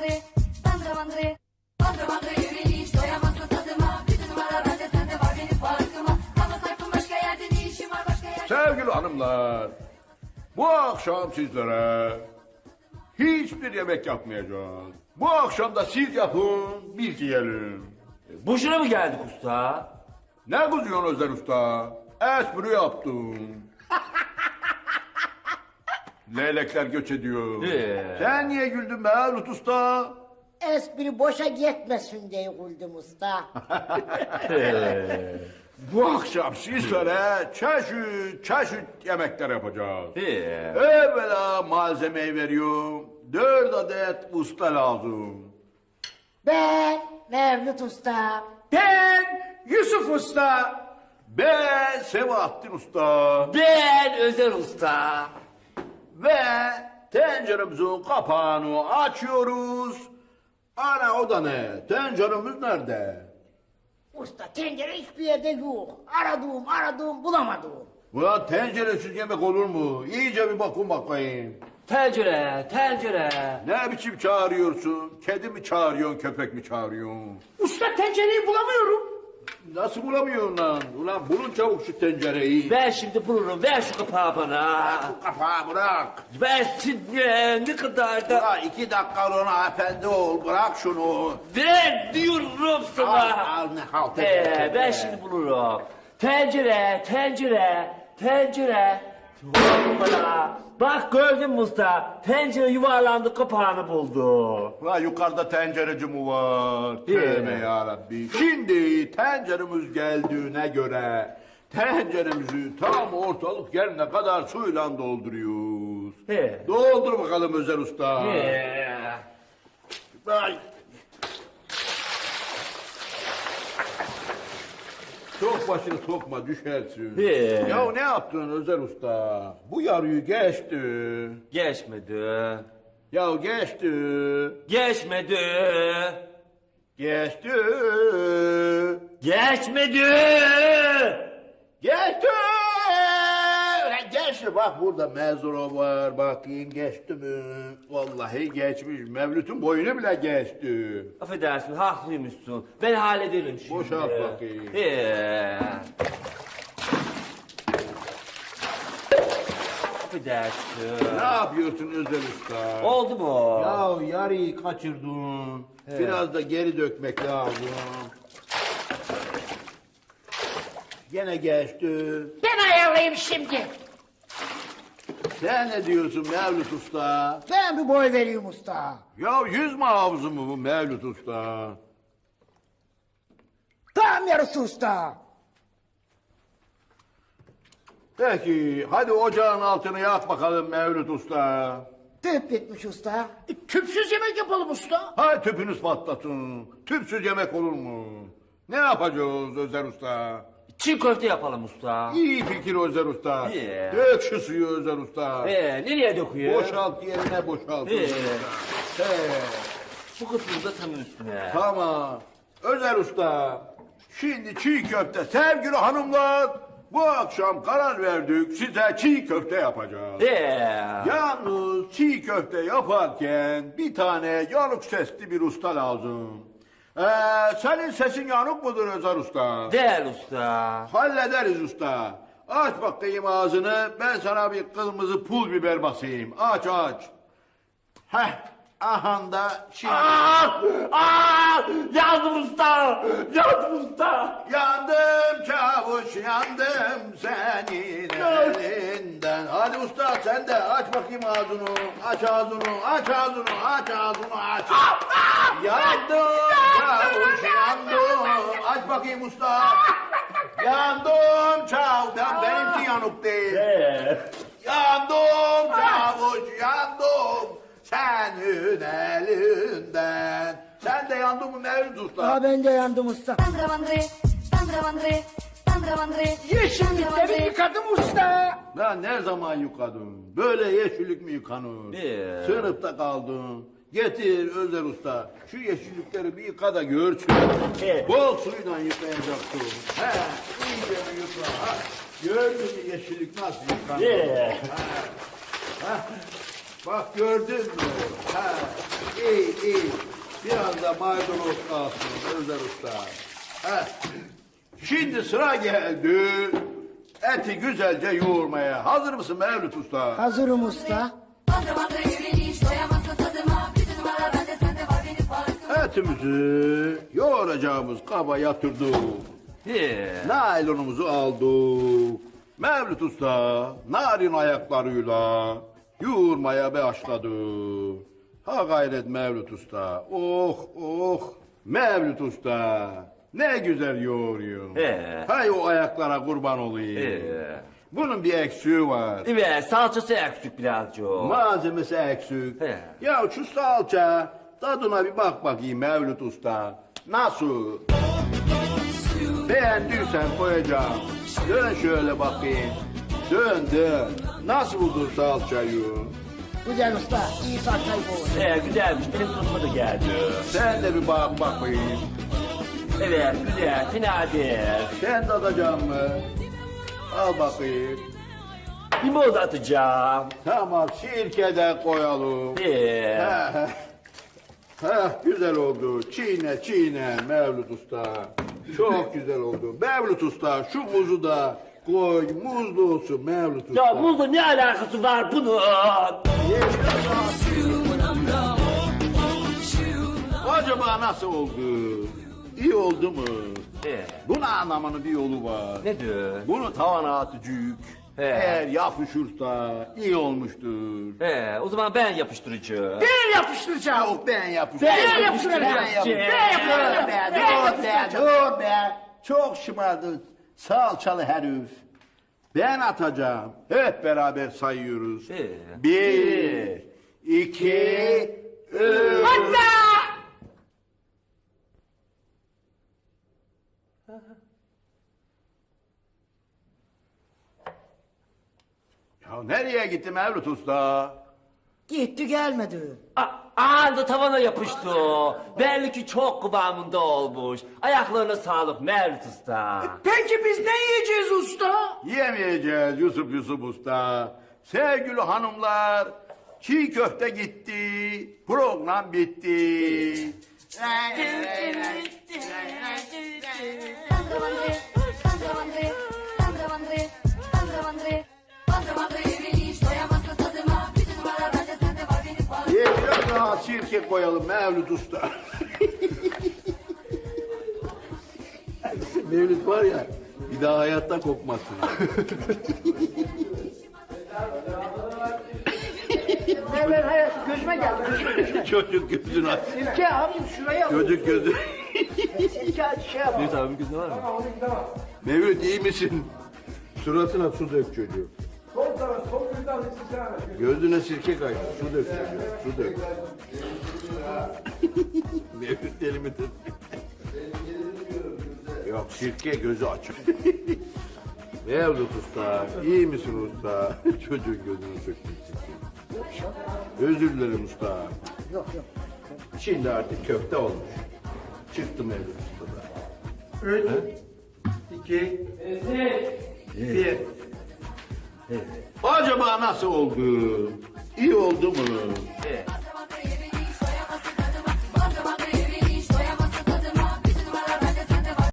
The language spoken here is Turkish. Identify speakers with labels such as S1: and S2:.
S1: mandri. Mandri mandri yürü hiç doyamazsın tadıma. Bütün numara bende sende var benim farkıma. Ama sayfım başka yerde ne işim var başka yerde.
S2: Sevgili hanımlar, bu akşam sizlere hiçbir yemek yapmayacağız. Bu akşam da siz yapın, biz yiyelim.
S3: Boşuna mı geldik usta?
S2: Ne kızıyorsun Özer Usta? Espri yaptım. Leylekler göç ediyor. Sen niye güldün be Lut Usta?
S4: Espri boşa gitmesin diye güldüm usta.
S2: Bu akşam sizlere çeşit yemekler yapacağız.
S3: Ee,
S2: Evvela malzemeyi veriyorum. 4 adet usta lazım.
S4: Ben Mevlüt usta.
S5: Ben Yusuf Usta.
S2: Ben Sebahattin Usta.
S3: ben Özer Usta.
S2: Ve tenceremizin kapağını açıyoruz. Ana o da ne? Tenceremiz nerede?
S4: Usta tencere hiçbir yerde yok. Aradım bulamadım.
S2: Ulan tenceresiz yemek olur mu? İyice bir bakın bakayım.
S3: Tencere.
S2: Ne biçim çağırıyorsun? Kedi mi çağırıyorsun, köpek mi çağırıyorsun?
S5: Usta tencereyi bulamıyorum.
S2: Nasıl bulamıyorsun lan? Ulan bulun çabuk şu tencereyi.
S3: Ben şimdi bulurum. Ver şu kapağı bana.
S2: Kafağı bırak.
S3: Versin ne kadar da.
S2: Ulan 2 dakika ona efendi ol. Bırak şunu.
S3: Ver diyorum sana.
S2: Al ne halt
S3: Ben şimdi bulurum. Tencere. Hoppala. Bak gördün mü usta? Tencere yuvarlandı kapağını buldu.
S2: Ulan yukarıda tencereci mi var? Tövbe yarabbi. Şimdi tenceremiz geldiğine göre tenceremizi tam ortalık yerine kadar suyla dolduruyoruz.
S3: He.
S2: Doldur bakalım Özer Usta. Ay. Çok başını sokma düşersin.
S3: He.
S2: Ya ne yaptın Özer Usta? Bu yarıyı geçti.
S3: Geçmedi.
S2: Ya geçti.
S3: Geçmedi.
S2: Geçti.
S3: Geçmedi.
S2: Geçti. Ulan geçti. Bak burada mezuro var. Bakayım geçti mi? Vallahi geçmiş. Mevlüt'ün boyunu bile geçti.
S3: Affedersin haklıymışsın. Ben hallederim şimdi.
S2: Boşalt bakayım.
S3: Affedersin.
S2: Ne yapıyorsun Özer Usta?
S3: Oldu mu?
S2: Ya yarıyı kaçırdın. Biraz da geri dökmek lazım. Gene geçti.
S4: Ben ayarlayayım şimdi.
S2: Sen ne diyorsun Mevlüt Usta?
S4: Ben bir boy vereyim usta.
S2: Ya yüz mü havuzu mu bu Mevlüt Usta?
S4: Tam yarısı usta.
S2: Peki hadi ocağın altını yak bakalım Mevlüt Usta.
S4: Tüp bitmiş usta.
S5: Tüpsüz yemek yapalım usta.
S2: Hay tüpünüz patlasın. Tüpsüz yemek olur mu? Ne yapacağız Özer Usta?
S3: Çiğ köfte yapalım usta.
S2: İyi fikir Özer Usta.
S3: İyi.
S2: Dök şu suyu Özer Usta.
S3: Nereye döküyor?
S2: Boşalt yerine boşalt.
S3: İyi.
S2: Özer Usta.
S3: Bu kısmını da tam üstüne.
S2: Tamam. Özer Usta. Şimdi çiğ köfte sevgili hanımlar. Bu akşam karar verdik size çiğ köfte yapacağız. Yalnız çiğ köfte yaparken bir tane yanık sesli bir usta lazım. Senin sesin yanık mıdır Özer Usta?
S3: Değil usta.
S2: Hallederiz usta. Aç bakayım ağzını, ben sana bir kırmızı pul biber basayım. Aç. Heh, ahanda şimdi...
S3: Yandım usta.
S2: Yandım çavuş, yandım senin elinden. Hadi usta sen de aç bakayım ağzını. Aç ağzını. Yandım çavuş, yandım. Aç bakayım usta. Yandım çavuş. Benimki yanık değil. Yandım çavuş, yandım senin elinden. Sen de yandın mı Mevlüt Usta?
S4: Ha ben de yandım usta.
S1: Tandra mandri.
S5: Yeşillikleri yıkadım usta.
S2: Ben ne zaman yıkadım? Böyle yeşillik mi yıkanır? Sınıfta kaldım. Getir Özer Usta. Şu yeşillikleri bir yıka da görsün. Bol suyla yıkayacaksın. İyice bir yıka. Gördün mü yeşillik nasıl yıkanır? Bak gördün mü? İyi. biraz da maydanoz kalsın Özer Usta. Heh. Şimdi sıra geldi eti güzelce yoğurmaya. Hazır mısın Mevlüt Usta?
S4: Hazırım usta.
S1: Bandı bandı yürüyüş doyamazsın tadıma. Bir numara bende sende var benim farkıma.
S2: Etimizi yoğuracağımız kaba yatırdık. Naylonumuzu aldık. Mevlüt Usta narin ayaklarıyla yoğurmaya başladı. Ha gayret Mevlüt Usta. Oh oh. Mevlüt Usta ne güzel yoğuruyor. Hay o ayaklara kurban olayım. Bunun bir eksiği var.
S3: Evet, salçası eksik birazcık.
S2: Malzemesi eksik. Ya şu salça tadına bir bak bakayım Mevlüt Usta. Nasıl? Beğendiysen koyacağım. Dön şöyle bakayım. Dön dön. Nasıl buldun salçayı?
S4: Güzel usta. İyi salçayı bul.
S3: Güzelmiş, benim tutma da geldi.
S2: Sen de bir bak bakayım.
S3: Evet, güzel, fena değil.
S2: Sen tadacak mı? Al bakayım.
S3: Limon da atacağım.
S2: Tamam sirke de koyalım. Güzel oldu. Çiğne çiğne Mevlüt Usta. Çok güzel oldu. Mevlüt Usta şu muzu da koy. Muzlu olsun Mevlüt Usta.
S3: Ya buzla ne alakası var bunun?
S2: Acaba nasıl oldu? İyi oldu mu? Bunu anlamanın bir yolu var.
S3: Nedir?
S2: Bunu tavana atacak. Eğer yapışırsa iyi olmuştur.
S3: O zaman ben yapıştıracağım.
S5: Ben yapıştıracağım.
S2: Yok ben yapıştıracağım.
S5: Ben yapıştıracağım.
S2: Dur be. Çok şımardın. Salçalı herif. Ben atacağım. Hep beraber sayıyoruz. 1, 2, 3. Ya nereye gitti Mevlüt Usta?
S4: Gitti gelmedi.
S3: Anında tavana yapıştı. Belli ki çok kıvamında olmuş. Ayaklarına sağlık Mevlüt Usta.
S5: Peki biz ne yiyeceğiz usta?
S2: Yemeyeceğiz Yusuf Usta. Sevgili hanımlar, çiğ köfte gitti, program bitti.
S1: Bandı bandı, bandı bandı, bandı bandı, bandı bandı. Bandı bandı yürüyüş doyamazsın tadıma. Bir numara bende sende var benim farkıma.
S2: Biraz daha sirke koyalım Mevlüt Usta. Mevlüt var ya, bir daha hayatta kokmazsın.
S5: Ben hayatım gözüme geldi.
S2: Çocuk gözünü aç.
S5: Sirke abim şuraya al.
S2: Çocuk gözü.
S5: Sirke şey yap.
S3: Mevlüt abi gözü var mı?
S2: Mevlüt iyi misin? Suratına su dök çocuğu. Gözüne sirke kaydı. Su dök çocuğu. Su dök. Mevlüt deli midir? Yok sirke gözü açık. Mevlüt Usta, iyi misin usta? Çocuğun gözünü söktün sirke. Özür dilerim usta.
S4: Yok yok.
S2: Şimdi artık köfte olmuş. Çıktı Mevlüt Usta'da. 3, 2, 1. Acaba nasıl oldu? İyi oldu mu?
S3: Evet.